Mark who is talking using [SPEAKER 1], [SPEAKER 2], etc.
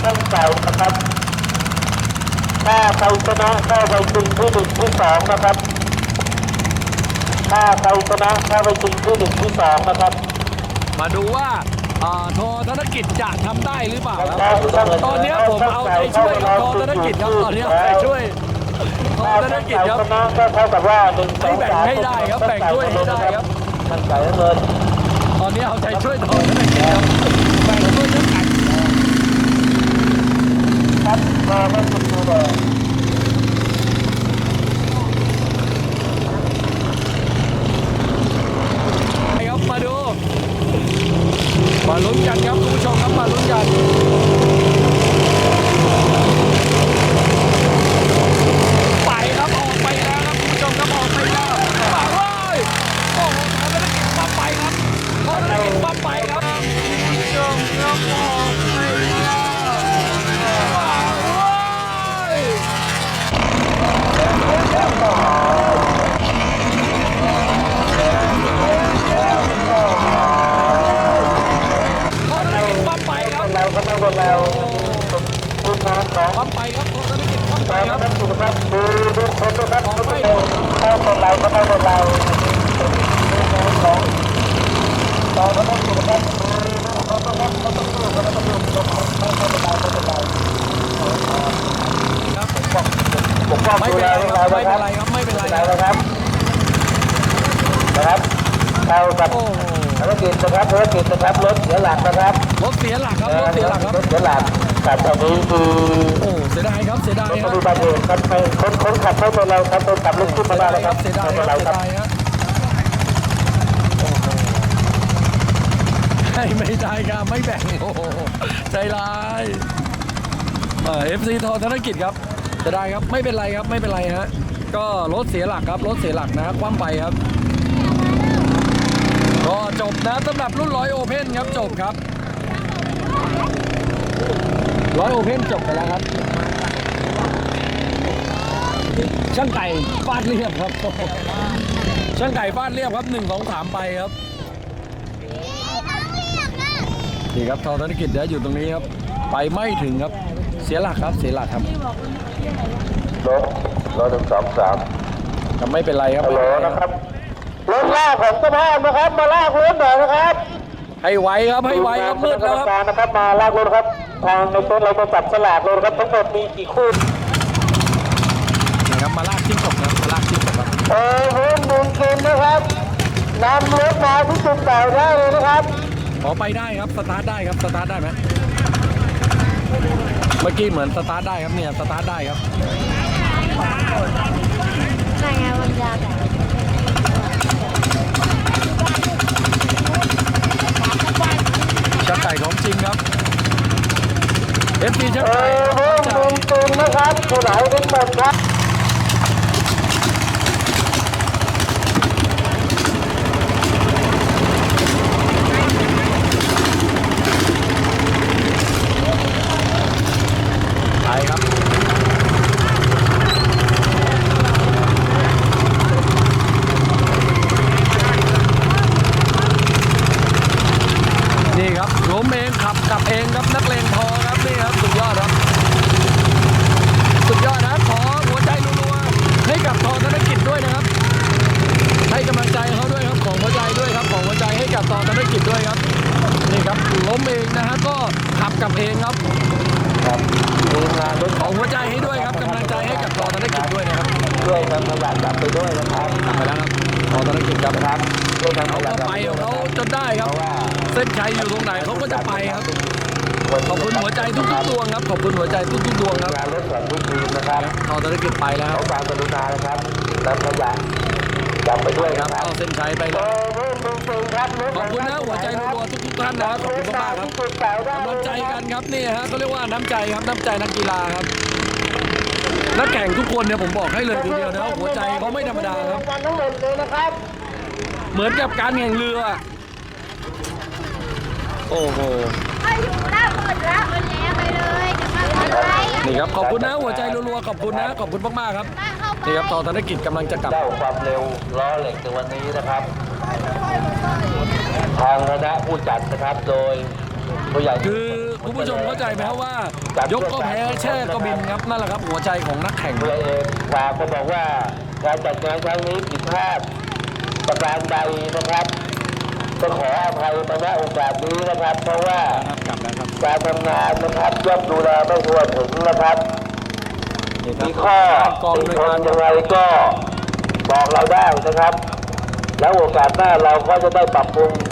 [SPEAKER 1] ช่างเก่านะครับถ้าใครชนะเข้าไปชิงที่1ที่2นะครับถ้าใครชนะเข้าไปชิงที่1ที่2นะครับ
[SPEAKER 2] มาดูว่าโทธนกิจจะทำได้หรือเปล่าครับตอนนี้ผมเอาใจช่วยกับโทธนกิจครับตอนนี้เอาใจช่วยโทธนกิจครับ
[SPEAKER 1] ก็เท่ากับว่า
[SPEAKER 2] ให้แบ่งให้ได้ครับแบ่งด้วยให้ได้ครับ
[SPEAKER 1] ช่างไก่เงิน
[SPEAKER 2] ตอนนี้เอาใจช่วยโทธนกิจครับแบ่งด้วยช่างไก่
[SPEAKER 1] ครับมาไม่สุดเลย
[SPEAKER 2] ครับมาดูมาลุ้นกันครับคุณผู้ชมครับมาลุ้นกันไปครับออกไปแล้วครับคุณผู้ชมครับออกไปแล้วมาเลยโอ้โหโทธนกิจมาไปครับโทธนกิจมาไปครับคุณผู้ชมครับออกไปแล้วมาเลย
[SPEAKER 1] เราก็ต้องเราคุณน้องของ
[SPEAKER 2] ความไปครับโทธนกิจความไปครับ
[SPEAKER 1] ดูครับดูคนดูครับเข้าคนเราก็ต้องเราของเราก็ต้องดูครับเขาต้องดูเขาต้องดูเขาต้องดูผมก็
[SPEAKER 2] ไม่เป็นไรครับไม่เป็นไรครับไม่เป็นไร
[SPEAKER 1] ครับนะครับเข้ากับธุรกิจนะครับธุรกิจนะครับรถเสียหลักนะครับ
[SPEAKER 2] รถเสียหลักครับรถเสียหลักครับ
[SPEAKER 1] รถเสียหลักแต่ตอนนี้คือ
[SPEAKER 2] โอ้เสียดายครับเสียดายครับ
[SPEAKER 1] ดูบาดเจ็บครับไปคนขับเข้าตัวเราครับคนขับรถขึ้นมาได้แล้วครับ
[SPEAKER 2] เสียดายครับเสียดายครับไม่ได้ครับไม่แบ่งโอ้ใจร้ายFC โทธนกิจครับจะได้ครับไม่เป็นไรครับไม่เป็นไรฮะก็รถเสียหลักครับรถเสียหลักนะคว่ำไปครับก็จบนะสำหรับรุ่น100 Open ครับจบครับ100 Open จบไปแล้วครับช่างไก่ฟาดเรียบครับช่างไก่ฟาดเรียบครับ1 2 3ไปครับนี่ครับโทธนกิจเดี๋ยวอยู่ตรงนี้ครับไปไม่ถึงครับเสียหลักครับเสียหลักครับ
[SPEAKER 1] รถ1 2 3
[SPEAKER 2] ก็ไม่เป็นไรครับ
[SPEAKER 1] ฮัลโหลนะครับรถลากของสภาพนะครับมาลากรถหน่อยนะครับ
[SPEAKER 2] ให้ไวครับให้ไวครับมืดแล้วครับ
[SPEAKER 1] นะครับมาลากรถครับทางในต้นเราจะจับสลากรถครับทั้งหมดมีกี่คู่
[SPEAKER 2] นี่ครับมาลากชิ้นศพครับมาลากชิ้นศพครับ
[SPEAKER 1] บุญเค็มนะครับนำรถมาที่จุดเก่าได้เลยนะครับ
[SPEAKER 2] ขอไปได้ครับสตาร์ทได้ครับสตาร์ทได้ไหมเมื่อกี้เหมือนสตาร์ทได้ครับเนี่ยสตาร์ทได้ครับ
[SPEAKER 3] ไงวันยาแต่
[SPEAKER 2] ช่างไก่ของจริงครับ FC ช่างไก่
[SPEAKER 1] บุญนะครับผู้ไหนเป็นหมดครับ
[SPEAKER 2] ไปครับนี่ครับล้มเองขับกลับเองครับนักเลงพอครับนี่ครับสุดยอดครับสุดยอดนะขอหัวใจรัวๆให้กับโทธนกิจด้วยนะครับให้กำลังใจเขาด้วยครับของหัวใจด้วยครับของหัวใจให้กับโทธนกิจด้วยครับนี่ครับล้มเองนะฮะก็ขับกลับเองครับของหัวใจให้ด้วยครับกำลังใจให้กับโทธนกิจด้วยนะครับ
[SPEAKER 1] ด้วยนำขยะกลับไปด้วยนะครับ
[SPEAKER 2] กลับไปแล้วครับโทธนกิจครับ
[SPEAKER 1] ด้วยนำขยะ
[SPEAKER 2] เขาไปของเขาจนได้ครับเส้นชัยอยู่ตรงไหนเขาก็จะไปครับขอบคุณหัวใจทุกดวงครับขอบคุณหัวใจทุกดวงครับ
[SPEAKER 1] การรถแข่งทุกทีมนะครับ
[SPEAKER 2] โทธนกิจไปแล้ว
[SPEAKER 1] ขอความกรุณานะครับนำขยะกลับไปด้วย
[SPEAKER 2] ครับ
[SPEAKER 1] เอา
[SPEAKER 2] เส้นชัยไปแล้วขอบคุณนะหัวใจรัวๆทุกท่านนะครับขอบคุณมากๆครับกำลังใจกันครับนี่ฮะเขาเรียกว่าน้ำใจครับน้ำใจนักกีฬาครับนักแข่งทุกคนเนี่ยผมบอกให้เลยทีเดียวนะหัวใจเขาไม่ธรรมดาครับเหมือนกับการแข่งเรือโอ้โหนี่ครับขอบคุณนะหัวใจรัวๆขอบคุณนะขอบคุณมากๆครับนี่ครับโทธนกิจกำลังจะกลับ
[SPEAKER 1] เจ้าความเร็วล้อเหล็กในวันนี้นะครับทางคณะผู้จัดนะครับโดยผู้ใหญ่
[SPEAKER 2] คือคุณผู้ชมเข้าใจไหมครับว่า ยกก็แพ้แช่ก็บินครับนั่นแหละครับหัวใจของนักแข่ง
[SPEAKER 1] ผู้ใหญ่เอกฝากก็บอกว่าการจัดงานครั้งนี้ผิดพลาดประการใดนะครับก็ขออภัยมาณโอกาสนี้นะครับ เพราะว่า
[SPEAKER 2] กลับแล้วครับ
[SPEAKER 1] การทำงานนะครับย่อมดูแลไม่ทั่วถึงนะครับ
[SPEAKER 2] นี่ครับ
[SPEAKER 1] มีข้อ
[SPEAKER 2] กอง
[SPEAKER 1] ติ
[SPEAKER 2] ด้วย
[SPEAKER 1] ช
[SPEAKER 2] กาม ร
[SPEAKER 1] อย่างไรก็บอกเราได้นะครับ แล้วโอกาสหน้าเราก็จะได้ปรับปรุง